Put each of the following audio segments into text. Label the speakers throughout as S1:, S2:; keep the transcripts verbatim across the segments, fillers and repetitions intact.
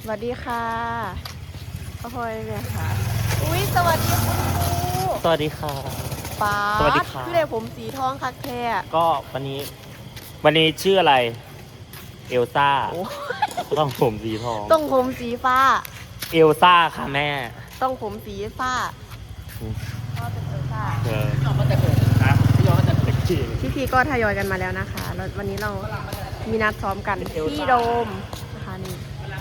S1: สวัสดีค่ะพ่อพลอยเนี่ยค่ะอุ้ยสวัสดีคุณครู
S2: สวัสดีค่ะ
S1: ป้า
S2: สวัสดีค่ะ
S1: พี่เด็กผมสีทองคักแท้
S2: ก็วันนี้ วันนี้ชื่ออะไร เอลซ่า
S1: โอ้
S2: ต้องผมสีทอง
S1: ต้องผมสีฟ้า
S2: เอลซ่าค่ะแม่
S1: ต้องผมสีฟ้าก็เป็นเอลซ่า
S2: เออพี่ยอมก็จะเกิดนะพี่ยอมก็จะเกิด
S1: พี่พีก็ทยอยกันมาแล้วนะคะแล้ววันนี้เรามีนัดซ้อมกันที่โดมนะคะนี่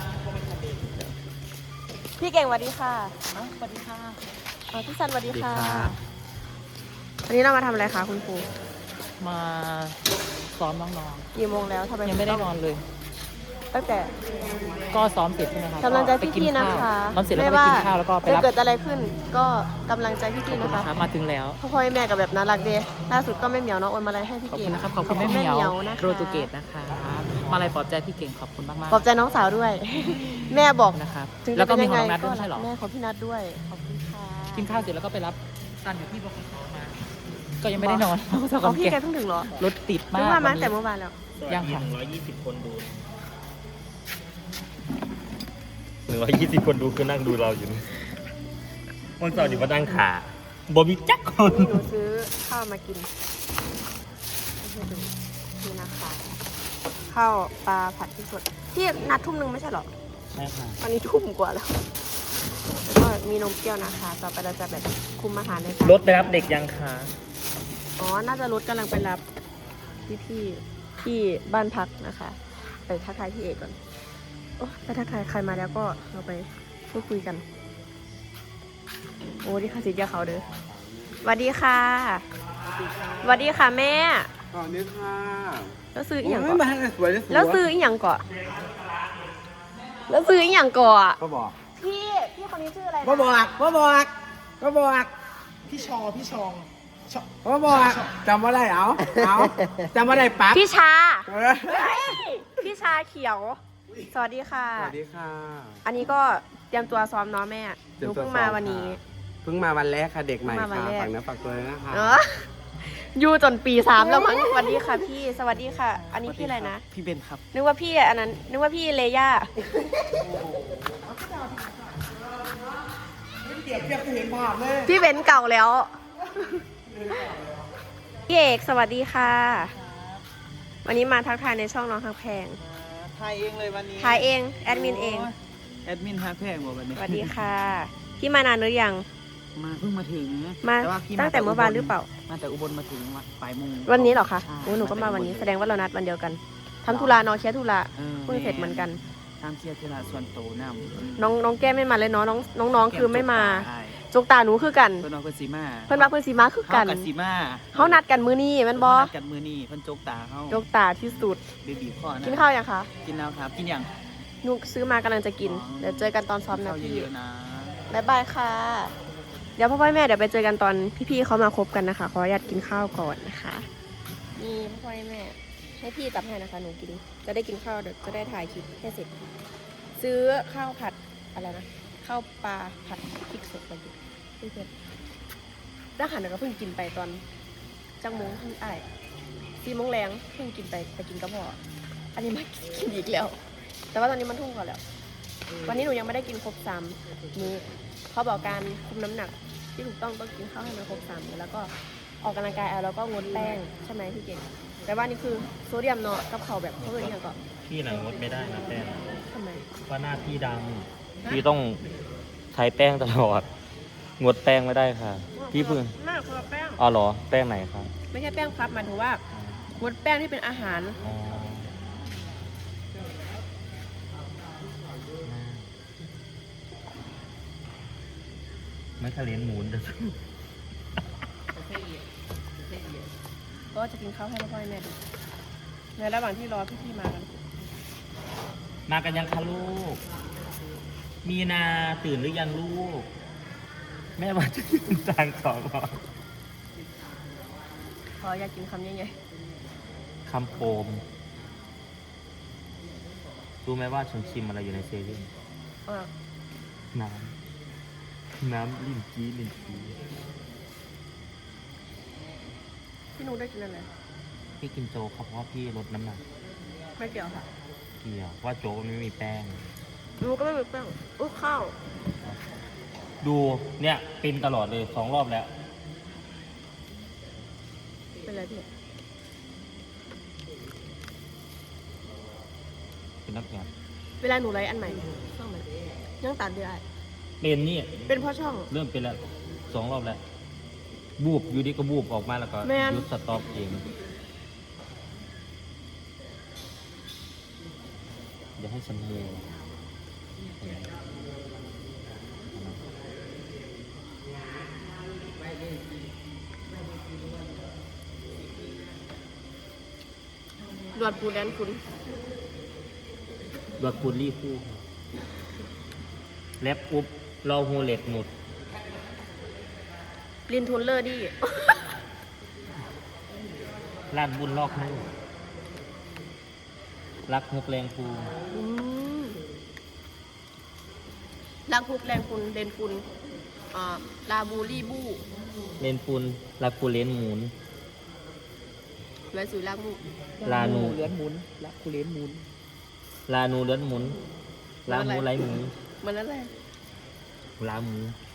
S1: พี่เก่งสวัสดีค่ะสวัสดีค่ะพี่ซันสวัสดีค่ะวันนี้เรามาทำอะไรคะคุณครู
S2: มาซ้อมน้อง
S1: กี่โมงแล้วทำไม
S2: ๆยังไม่ได้นอนเลย
S1: ตั้งแต่
S2: ก็ซ้อมเสร็จใช่ไหมครับ
S1: กำลังใจ
S2: ไปกิ
S1: พี่ๆนะคะ
S2: ซ้อมเสร็จแล้วก็ไปกินข้าวแล้วก็ไปรับ
S1: ถ้าเกิดอะไรขึ้น ก็กำลังใจพี่ๆนะคะ
S2: ครับมาถึงแล้ว
S1: พ่อพ่อแม่กับแบบน่ารักดีล่าสุดก็แม่เหมียวเนาะโอนมาอะไรให้พี่
S2: ขอบ
S1: เก่ง
S2: คุณนะครับ ขอบคุณแม่เหมียว
S1: นะคะ
S2: โรตูเกตนะคะมาอะไรปลอบใจพี่เก่งขอบคุณมากๆ
S1: ปลอบใจน้องสาวด้วย แม่บอก
S2: นะครับ
S1: ถึง
S2: แล้วก็
S1: จะเป็
S2: มี
S1: น
S2: ของ
S1: ยัง
S2: น้
S1: ไง
S2: องนัดด้วยใช่เหรอ
S1: แม่ของพี่นัดด้วยขอบคุณค่ะ
S2: กินข้าวเสร็จแล้วก็ไปรับซันอยู่ที่บขสมา ก็ยังไม่ได้นอนเพราะว่าส
S1: อ๋
S2: อ
S1: อน พี่
S2: แก
S1: แกเพิ่งถึงเหรอ
S2: รถติดมา
S1: นึ
S2: ก
S1: กว่ามา
S2: วัน
S1: แต่
S2: นี้
S1: เมื่อวานแล้ว
S2: ยังค่ะ
S3: หนึ่งร้อยยี่สิบคนดูหนึ่งร้อยยี่สิบคนดูคือนั่งดูเราอยู่นี่วันเสาร์นี่มานั่งขาบอมีจักคน
S1: หนูซื้อข้าวมากินให้ดูนี่นะคะข้าวปลาผัดพริกสดพี่นัดทุ่มหนึ่งไม่ใช่เหรอ
S2: ใช่ค่ะ
S1: ตอนนี้ทุ่มกว่าแล้วแล้วก็มีนมเปรี้ยวนะคะต่อไปเราจะแบบคุมอาหารในการ
S3: รถไปรับเด็กยังคะ
S1: อ๋อ น่าจะรถกำลังไปรับพี่พี่ที่บ้านพักนะคะ ไปทักทายพี่เอกก่อนโอ้ไปทักทายใครมาแล้วก็เราไปพูดคุยกัน โอ้ดีค่ะสิทธิ์ยาเขาเด้อสวัสดีค่ะสวัสดีค่ะแม่
S4: อ๋อนี่ค่ะ
S1: แล้วซื้ออีหยัง
S4: โอ้
S1: ก่
S4: ย
S1: อน
S4: มาให้สวยเลยสวย
S1: แล้วซื้ออีหยังก่อนแล้วซื้ออีหยังก่อน
S4: ก็บอก
S1: พี่ พี่คนนี้ชื่ออะไรนะ
S4: ก็บอกก็บอกก็บอก
S5: พี่ชอ พี่ชองชอ
S4: ก็บอกจำว่าได้เอาเอาจำว่าได้ปั๊บ
S1: พี่ชา
S4: เออ
S1: เฮ้ยพี่ชาเขียว สวัสดีค่ะ
S4: สวัสดีค่ะ
S1: อันนี้ก็เตรียมตัวซ้อมเนาะแม่ห
S4: เตรีย
S1: นู
S4: มตัว
S1: เพิ่งมา
S4: ซ้อม
S1: วันนี้
S4: ค่ะ เพิ่งมาวันแรกค่ะเด็กใหม่
S1: เพิ่งมาวัน
S4: ค่ะ
S1: แรก
S4: ฝากเนื้อฝากตัวเลยนะคะ
S1: เอออยู่จนปีสามแล้วมั้งสวัสดีค่ะพี่ สวัสดีค่ะ อันนี้พี่อะไรนะ
S2: พี่เบนครับ
S1: นึกว่าพี่อันนั้น นึกว่าพี่เลย่า
S4: เดี๋ยวเทียบเห็นภาพเลย
S1: พี่เบนเก่าแล้ว พี่เอกสวัสดีค่ะ วันนี้มาทักทายในช่องน้องทางแพง
S5: ถ่ายเองเลยวันนี้
S1: ถ่ายเอง แอดมินเอง
S5: แอดมินฮักแพงบอกวันนี้
S1: สวัสดีค่ะ พี่มานานหรือยัง
S2: มาเพิ่งมาถึง
S1: มา
S2: ว่าพี่
S1: ตั้งแต่เมื่อวานหรือเปล่า
S2: มาแต่อุบลมาถึงวันบ่ายโมง
S1: วันนี้เหรอคะ
S2: ใช่
S1: โอ้หนูก็มาวันนี้ แสดงว่าเรานัดวันเดียวกันทำธุระเนอะเคลียร์ธุระ
S2: ออ
S1: เพิ่งเสร็จเหมือนกัน
S2: ตามเคลียร์ธุระส่วนโตวนำ
S1: น้องน้องแก้มไม่มาเลยเนาะน้องน้องน้องคือไม่มา
S2: ใช่
S1: จกตาหนูคือกัน
S2: เพิ่นเอาเพิ่นสีมา
S1: เพิ่นมาเพิ่นสีมาคือกัน
S2: เฮากับสีมา
S1: เขานัดกันมื้อนี้แมันบอ
S2: เฮานัดกันมือนี่เพิ่นโจกตาเฮา
S1: จกตาที่สุด
S2: เบบีข้อนะ
S1: กินข้าวยังคะ
S2: กินแล้วครับ กินยัง
S1: หนูซื้อมากำลังจะกิน
S2: อ๋อ
S1: เดี๋ยวเจอกันตอนซ้อมนะ
S2: ข้าว
S1: พี่
S2: เยอะๆนะ
S1: บ๊ายบายค่ะ เดี๋ยวพ่อพ่อแม่เดี๋ยวไปเจอกันตอนพี่ๆเขามาคบกันนะคะขออนุญาตกินข้าวก่อนนะคะนี่พ่อพ่อแม่ให้พี่ตับให้นะคะหนูกิน จะได้กินข้าวเดี๋ยวจะได้ถ่ายคลิปให้เสร็จ ซื้อข้าวผัดอะไรนะข้าวปลาผัดพริกสดไปกินเพื่อนๆอาหารเราก็เพิ่งกินไปตอนจังโมงที่ไอ้ายสี่โมงแรงเพิ่งกินไปไปกินกระเพาะอันนี้มากินอีกแล้ว แต่ว่าตอนนี้มันทุ่มกว่าแล้ว วันนี้หนูยังไม่ได้กินครบสามมื้อเขาบอกการคุมน้ำหนักที่ถูกต้องต้องกินข้าวให้มันครบสามมื้อแล้วก็ออกกำลังกายเอาแล้วก็งดแป้งใช่ไหมพี่เก่งแต่ว่านี่คือโซเดียมเนาะกับเขาแบบเขาเป็นอย่างก่อน
S3: พี่หนังงดไม่ได้นะแป้ง
S1: ทำไม
S3: เพราะหน้าพี่ดำพี่ต้องใช้แป้งตลอด งดแป้งไม่ได้ค่ะ พี่เพิ่ง
S1: มากคนละแป้ง
S3: อ๋อเหรอแป้งไหนครับ
S1: ไม่ใช่แป้งพับหมายถึงว่างดแป้งที่เป็นอาหาร
S3: อ๋อไม่ทะเลนหมูนแต่
S1: ก็จะกินข้าวให้พ่อให้แม่ดูในระหว่างที่รอพี่ๆมากัน
S3: มากันยังคะลูก มีนาตื่นหรือยังลูก แม่มาจะกินจานสองก่อน
S1: ขออยากกินคำยังไง
S3: คำโปมรู้ไหมว่าฉันชิมอะไรอยู่ในเซเว่น
S1: เออ
S3: น้ำ น้ำลิ้นจี้ลิ้นจี้
S1: พี่นุ้ได้กินอะไร
S3: พี่กินโจ๊กครับเพราะว่าพี่ลดน้ำหนัก
S1: ไม่เกี่ยวค่ะ
S3: เกี่ยวว่าโจ๊กมันไม่มีแป้ง
S1: อหนูก็ไม่มีแป้งอุ้ยข้าว
S3: ดูเนี่ยเป็นตลอดเลยสองรอบแล้ว
S1: เป็นไรพี่
S3: เป็นนักงาน
S1: เวลาหนูไลฟ์อันใหม่ช่องใหม่ยังตัดได้
S3: เป็นนี่
S1: เป็นเพราะช่อง
S3: เริ่มเป็นแล้วสองรอบแล้ว บูบอยู่ดีก็บูบออกมาแล้วก็
S1: แม่น
S3: หยุดสต็อปเองอย่าให้ฉันเมย์
S1: ดวดปูแดนคุณ
S3: ดวดปูรี่คู่แลบอุบรอฮูเล็ตหนุด
S1: ลินทุนเลอร์ดี้
S3: ลาดบุญลอกนู่รักฮุกแรงภู
S1: อืมลังคุกแรงคุณเดนคุณอ่าลาบูรี่บู
S3: เลนปูนรักกูเลนหมุน
S1: ไว้สุยลากมู
S3: ลานู
S2: เลือนหมุนละคูเลนหมุน
S3: ลานูเลือนหมุน ลาหมูไหลหมู
S1: มันนั่นแหละ
S3: ลาหมู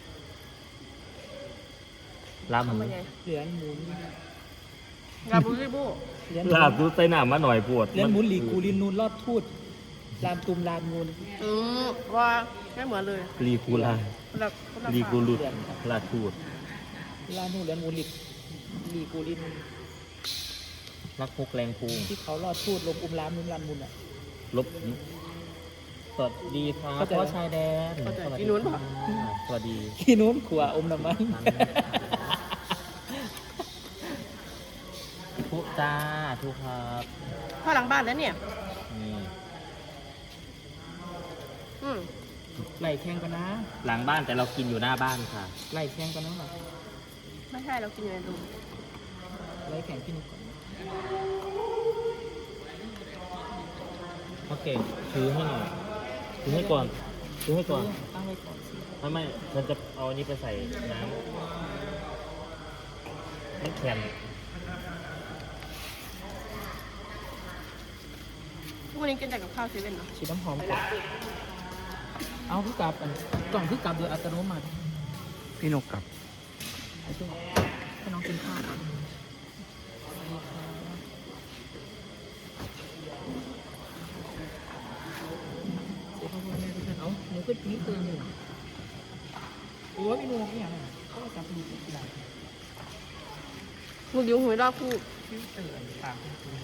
S3: ลาหมู
S1: ทำยังไง
S2: เลือนหมุน
S1: ลาบูรี่บู
S2: เลือน
S3: ลาบดูใส่หนามาหน่อยปวด
S2: เลือนหมุนหลีกูลินนูนรอดทูดลามตุมลามงูน
S1: อืมว่าไม่เหมือนเลย
S3: ลีกูลา
S1: คนละคนละ
S3: ลีกู
S1: ฝั่ง
S3: ลุดลาทูด
S2: ลานูนเลือนหมุนหลีหลีกูลิน
S3: รักฮุกแรงภู
S2: ที่เขารอดทูดลงอุมลามนุนลามมุนอ่ะ
S3: ลบสวัสดีครับ
S2: เข้าใจ
S3: พ่อชายแดน
S1: เข้าใจ
S3: สวัส
S1: อี
S3: ดี
S1: นู้นปะ
S3: ค่ะสวัสดี
S2: ที่นู้นขวาอมน้ำมัน
S3: ทุกจ้าทุกครับ
S1: พ่อหลังบ้านแล้วเนี่ย
S3: นี่
S1: อืม
S2: ไหลแข่งกันนะ
S3: หลังบ้านแต่เรากินอยู่หน้าบ้านค่ะ
S2: ไหลแข่งกันนะหรอ
S1: ไม่ใช่เรากินอยู่ในรูม
S2: ไหลแข่งพี่นุ๊กก่อน
S3: โอเคซื้อให้หน่อยซื้อให้ก่อนซื้อให้ก่อน
S2: ตั้งไว้ก่อนสิ
S3: ไม่ไม่ฉันจะเอาอันนี้ไปใส่น้ำมันแข็ง
S1: ทุกวันนี้กินแต่กับข้าวเซเว่นเนาะ
S2: ฉีดน้ำหอมก่อนเอาพี่กลับอันกล่องพี่กลับโดยอัตโนมัติ
S4: พี่นกกลับ
S2: ให้ช่วยให้น้องกินข้าวก่อนเดี๋ยวพ่อพ่อแม่ทุกท่านเอาหนูขึ้นนี้ตื่นอยู่โอ้ยพี่นุ๊กเนี่ยนะเขาจับดูกี่ดาว
S1: มึงดิ้วหวยรอบคู่
S2: พี่ตื่นตามคุณครู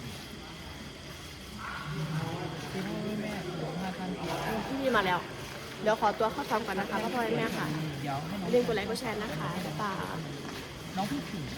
S2: พี่พ่อแม่หนูมาทันที
S1: ที่นี่มาแล้ว เดี๋ยวขอตัวเข้าซ้อมก่อนนะคะพ่อพ่อแม่ค่ะ
S2: เดี๋ยวให้น้อง
S1: อย่าลืมกดไลค์กดแชร์นะคะบ๊ายบาย
S2: น้องพี่ผิง